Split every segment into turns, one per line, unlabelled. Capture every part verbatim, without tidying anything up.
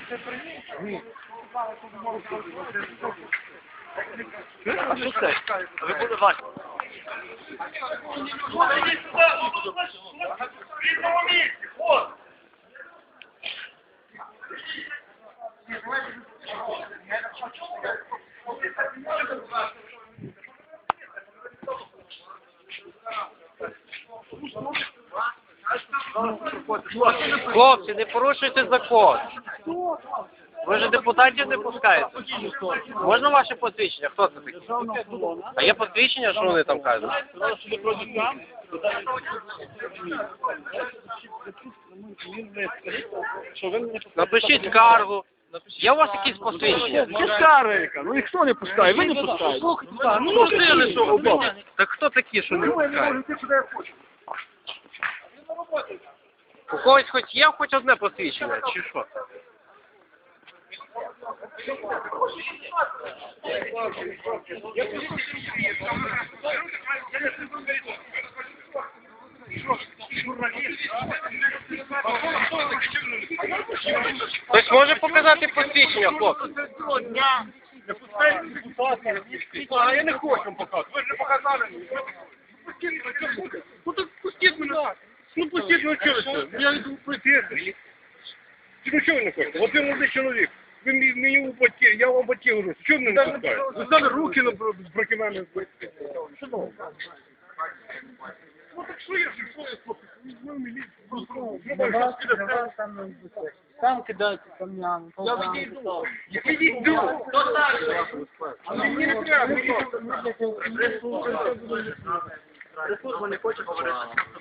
А що це? Ви були бачити. Хлопці, не порушуйте закон. Ви ж депутатів не пускаєте. Можна ваше посвідчення? Хто це такий? А є посвідчення, що вони там кажуть? Напишіть скаргу. Є у вас якісь посвідчення?
Це скарга, ну ніхто не пускає, ви не пускаєте.
Ну, просили, що так хто такі, що не пускають? У когось хоч є хоч одне посвідчення, чи що? Хтось може показати посвідчення, хлопці?
Не пускаєте депутатів, а я не хочу вам показати, ви ж не показали мені. Ну так пустіть мене, ну пустіть мене через, я йду прийти. Ну чого ви не хочете? От ви молодий чоловік, ви мені у батьки, я вам батьки говорю, чого ви не пускаєте? Ви стали руки проти мене. Ну так що я, що я, хлопці, візьму міліцію,
Там кидаються камнями.
я відійду. Я відійду. Хто так? Мені не треба.
Служба не хоче говорити.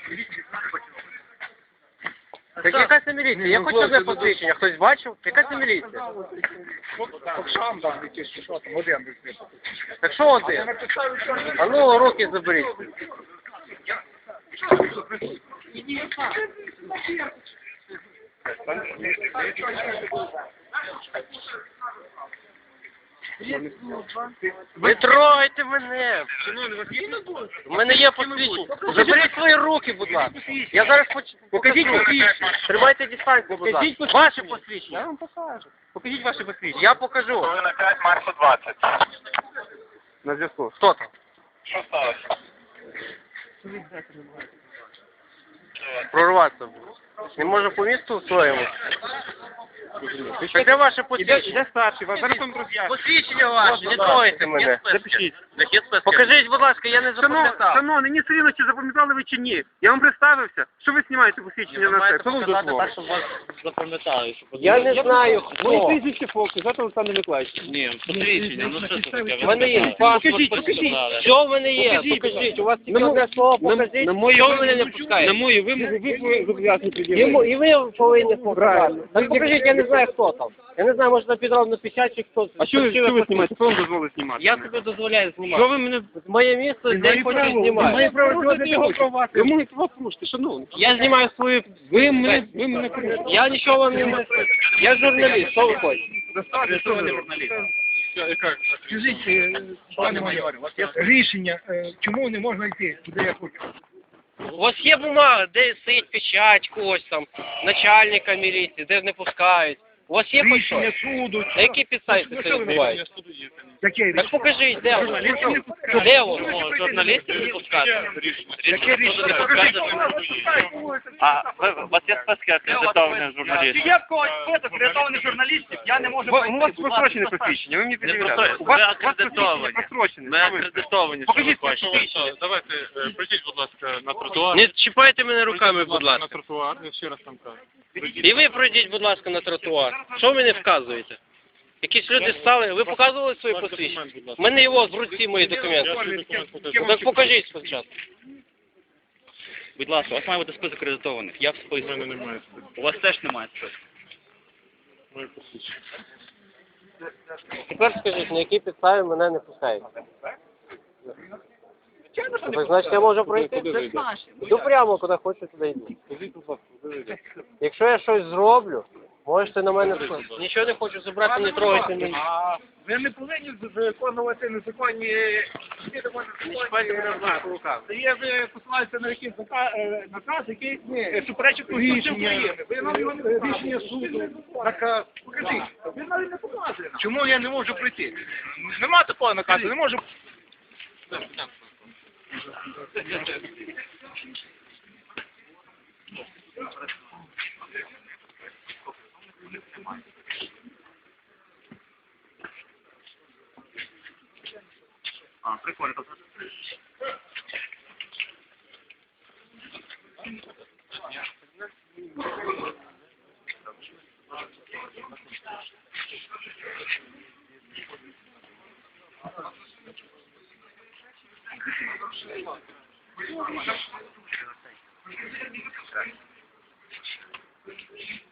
Так яка це міліція? Я хочу одне посвідчення. Хтось бачив? Яка це міліція?
Окшам там якийсь, що там, один десь.
Так що один? А ну, руки заберіть. Ви трогайте мене! У мене є посвідчення. Заберіть свої руки, будь ласка. Я зараз поч... Покажіть посвідчення. Тримайте дистанцію, будь ласка. Ваше посвідчення.
Я вам покажу. Покажіть ваше посвідчення.
Я покажу.
На п'ять марсу двадцять.
На зв'язку.
Хто там?
Що сталося?
Прорватися буде. Не може по місту своєму. Так де ваше посвідчення?
Іде старший, вас зараз вам роз'ясню.
Посвідчення ваше, не трогайте мене.
Запишіть.
Покажіть, будь ласка, я не запам'ятав.
Шановний, мені все рівно, чи запам'ятали ви чи ні. Я вам представився. Що ви знімаєте посвідчення на це? Хто вам дозволив?
Я не знаю,
Моє
хто.
прізвище Фокс, завтра Олександр Миколаївич.
Ні, посвідчення, ну що це таке?
У мене є паспорт.
Покажіть, покажіть.
Що в мене є?
Покажіть,
Покажіть, у вас тільки
На мо-
одне слово
на-
покажіть.
на мою
Що ви
вимогу-
мене не
На
пускаєте?
мою вимогу ви зобов'язані
І
пред'явити.
мо- І ви повинні показати.
Правильно.
Так покажіть, я не знаю, хто там. Я не знаю, може на підробну печать чи хто.
А що ви,
Хотіли
що ви
посвідчення.
знімаєте? Хто вам дозволить знімати?
Я собі дозволяю знімати.
Що ви мене...
Моє місце, де я хочу
Ви
знімати.
маєте право знімати його права. Ви можете вас порушити, шановний.
Я знімаю свою...
Ви мене, ви мене порушите.
Я нічого вам не... Я журналіст, що ви хочете?
Що ви не журналіст? Скажіть, е, пане майоре, у вас є рішення, е, чому не можна йти, куди я хочу?
У вас є бумага, де стоїть печать когось там, начальника міліції, де не пускають. У вас є хоч
Рішення
щось?
суду.
На які підставі
Ну,
це
що ви
відбувається?
Яке рішення?
Так покажіть, де воно?
Журналістів не пускають.
Де воно? Журналістів не пускати.
Яке рішення? Покажіть.
А ви- у вас є списки акредитованих журналістів?
Є в когось список акредитованих журналістів, я не можу
У вас просрочене посвідчення, ви мені
Не
пред'являєте.
просрочене,
У вас
ви
у вас
акредитовані.
посвідчення просрочене.
Ми
Що ви?
акредитовані, що
Покажіть
ви хочете.
посвідчення.
Давайте, е, прийдіть, будь ласка, на тротуар.
Не чіпайте мене руками, будь
На
ласка.
тротуар, я ще раз там кажу.
І ви пройдіть, будь ласка, на тротуар. Що ви мені вказуєте? Якісь люди стали, ви показували свої посвідчення? У мене його з руці мої документи. Так покажіть спочатку.
Будь ласка, у вас має бути список акредитованих. Я в
У
списку.
мене немає.
У вас теж немає списку.
Моє посвідчення.
Тепер скажіть, на які підстави мене не пускають? Так, значить, я можу пройти? Йду прямо, куди хочу, туди йду. Якщо я щось зроблю, Можете на мене скласти. Нічого не хочу забрати, не трогайте мене.
А ви не повинні виконувати незаконні...
Не чіпайте мене руками по рукам.
Це є, ви посилаєтеся на якийсь наказ, е, наказ який е, суперечить Конституції України. Ви нам його не рішення суду, наказ. Покажіть. Ви навіть не показуєте. Чому я не можу прийти? Нема такого наказу, не можу.
А, прикольно.
Thank you.